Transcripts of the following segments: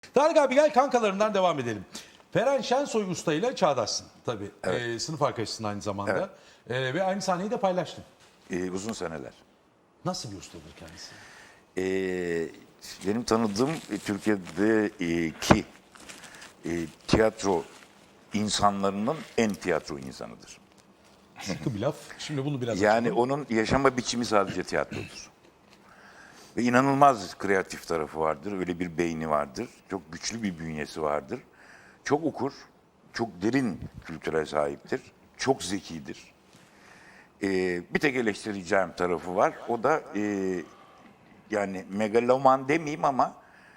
Tarık abi gel kankalarından devam edelim. Ferhan Şensoy Usta ile çağdaşsın tabii. Evet. Sınıf arkadaşısın aynı zamanda. Ve aynı sahneyi de paylaştın. Uzun seneler. Nasıl bir ustadır kendisi? Benim tanıdığım Türkiye'deki tiyatro insanlarının en tiyatro insanıdır. Sıkı bir laf. Şimdi bunu biraz Yani açalım. onun yaşama biçimi sadece tiyatrodur. Ve inanılmaz kreatif tarafı vardır. Öyle bir beyni vardır. Çok güçlü bir bünyesi vardır. Çok okur. Çok derin kültüre sahiptir. Çok zekidir. Bir tek eleştireceğim tarafı var. O da yani megaloman demeyeyim ama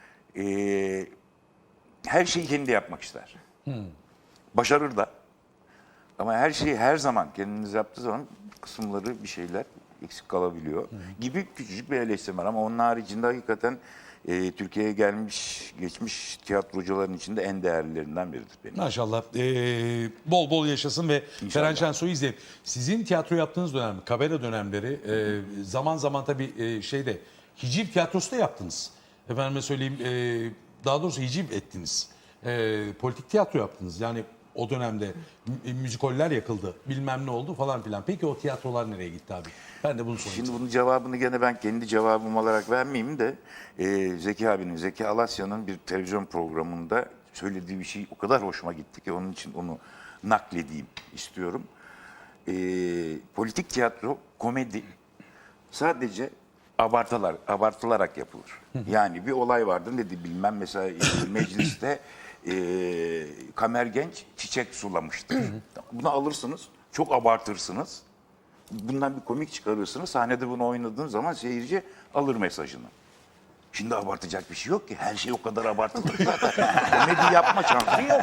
her şeyi kendi yapmak ister. Başarır da. Ama her şeyi her zaman kendiniz yaptığı zaman kısımları bir şeyler eksik kalabiliyor gibi küçücük bir eleştirim var. Ama onun haricinde hakikaten Türkiye'ye geçmiş tiyatrocuların içinde en değerlilerinden biridir benim. Maşallah. Bol bol yaşasın ve İnşallah. Ferhan Şensoy'u izleyelim. Sizin tiyatro yaptığınız dönem, kabare dönemleri zaman zaman tabii hiciv tiyatrosu da yaptınız. Efendime söyleyeyim, daha doğrusu hiciv ettiniz. Politik tiyatro yaptınız. Yani o dönemde müzikoller yakıldı, bilmem ne oldu falan filan. Peki o tiyatrolar nereye gitti abi? Ben de bunu sorayım. Şimdi bunun cevabını gene ben kendi cevabım olarak vermeyeyim de Zeki Alasya'nın bir televizyon programında söylediği bir şey o kadar hoşuma gitti ki onun için onu nakledeyim istiyorum. Politik tiyatro, komedi sadece abartılarak yapılır. Yani bir olay vardır ne bilmem mesela mecliste Kamer Genç çiçek sulamıştır. Bunu alırsınız, çok abartırsınız. Bundan bir komik çıkarırsınız. Sahnede bunu oynadığın zaman seyirci alır mesajını. Şimdi abartacak bir şey yok ki. Her şey o kadar abartılır zaten. Komedi yapma şansı yok.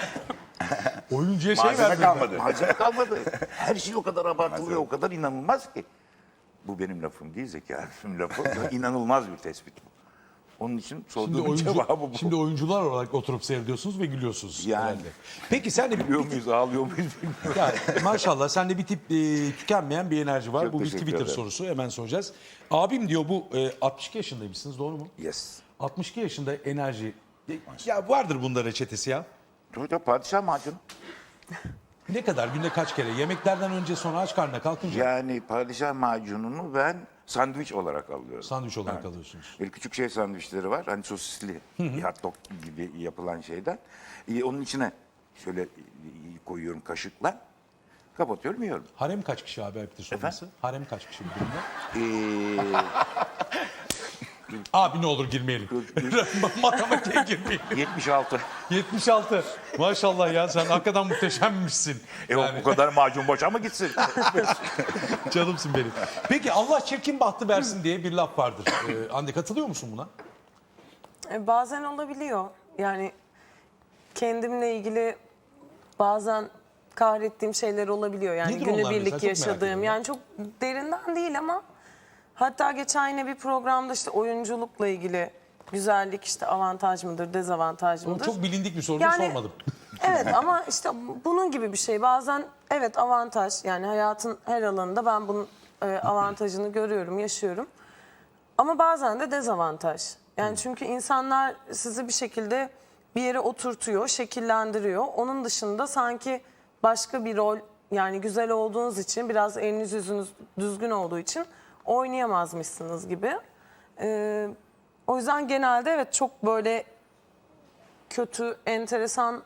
Oyuncuya Malzeme kalmadı. Malzeme kalmadı. Her şey o kadar abartılıyor, o kadar inanılmaz ki. Bu benim lafım değil, Zeki Arif'in lafı. İnanılmaz bir tespit bu. Onun için sorduğum cevabı bu. Şimdi oyuncular olarak oturup seyrediyorsunuz ve gülüyorsunuz. Yani. Herhalde. Peki sen de Gülüyor muyuz, ağlıyor muyuz bilmiyorum. Ya, maşallah sende bir tip tükenmeyen bir enerji var. Çok Bu bir teşekkür Twitter ederim. sorusu, hemen soracağız. Abim diyor bu 62 yaşındaymışsınız, doğru mu? Yes. 62 yaşında enerji. Ya vardır bunda reçetesi ya. Çocuk padişah macunu. Ne kadar, günde kaç kere? Yemeklerden önce, sonra aç karnına kalkınca Yani padişah macununu ben sandviç olarak alıyorum. sandviç olarak alıyorsunuz. Böyle küçük şey sandviçleri var. Hani sosisli, hot dog gibi yapılan şeyden. Onun içine şöyle koyuyorum kaşıkla. Kapatıyorum, yiyorum. Harem kaç kişi abi, ayıptır sorması? Harem kaç kişi bu durumda? Abi ne olur girmeyelim. Matematiğe girmeyelim. 76. 76. Maşallah ya, sen hakikaten muhteşemmişsin. O kadar macun boşa mı gitsin? Canımsın benim. Peki Allah çirkin bahtı versin diye bir laf vardır. Hande, katılıyor musun buna? Bazen olabiliyor. Yani kendimle ilgili bazen kahrettiğim şeyler olabiliyor. Yani Nedir onlar mesela? günübirlik Çok merak ediyorum yaşadığım. ya. Yani çok derinden değil ama hatta geçen yine bir programda işte oyunculukla ilgili güzellik işte avantaj mıdır, dezavantaj O mıdır? çok bilindik bir soru, Yani- sormadım. Evet ama işte bunun gibi bir şey. Bazen evet avantaj, yani hayatın her alanında ben bunun avantajını görüyorum, yaşıyorum. Ama bazen de dezavantaj. Yani çünkü insanlar sizi bir şekilde bir yere oturtuyor, şekillendiriyor. Onun dışında sanki başka bir rol, yani güzel olduğunuz için, biraz eliniz yüzünüz düzgün olduğu için oynayamazmışsınız gibi. O yüzden genelde evet çok böyle kötü, enteresan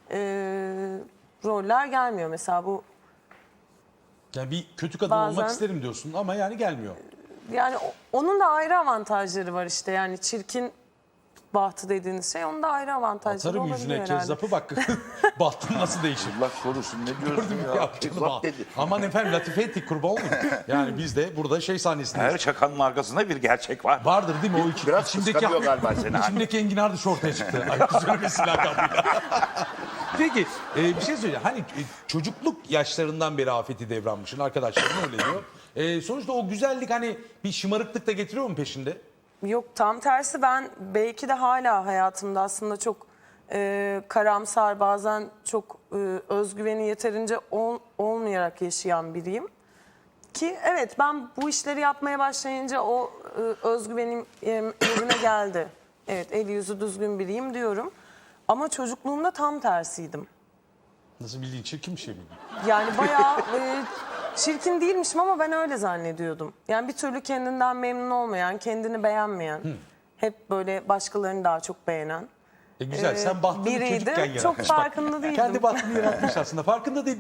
roller gelmiyor. Mesela bu, Yani bir kötü kadın Bazen- olmak isterim diyorsun ama yani gelmiyor. yani onun da ayrı avantajları var işte. Yani çirkin bahtı dediğiniz şey, onun da ayrı avantajları Atarım olabiliyor yüzüne herhalde. kezzapı, bak bahtın nasıl değişir. Allah korusun, ne diyorsun ya? Ya canım, Kezzap dedi. aman efendim, latife ettik, kurban olayım. Yani biz de burada şey sahnesindeyiz. Her şakanın arkasında bir gerçek var. Vardır değil mi o Biraz kıskanıyor galiba seni. İçimdeki enginar dışı ortaya çıktı. Ayıp söylemesi lakabıyla. Peki bir şey söyleyeceğim. Hani çocukluk yaşlarından beri afeti devranmışsın. Arkadaşlarım öyle diyor. Sonuçta o güzellik hani bir şımarıklık da getiriyor mu peşinde? Yok, tam tersi, ben belki de hala hayatımda aslında çok karamsar, bazen çok özgüveni yeterince olmayarak yaşayan biriyim. Ki evet, ben bu işleri yapmaya başlayınca o özgüvenim yerine geldi. evet eli yüzü düzgün biriyim diyorum. Ama çocukluğumda tam tersiydim. Nasıl bildiğin çirkin bir şey mi? Yani bayağı çirkin değilmişim ama ben öyle zannediyordum. Yani bir türlü kendinden memnun olmayan, kendini beğenmeyen, hep böyle başkalarını daha çok beğenen Güzel. Sen bahtını biriydim. çocukken yaratmış. Çok Bak, farkında değildim. kendi bahtını yaratmış aslında. Farkında değil.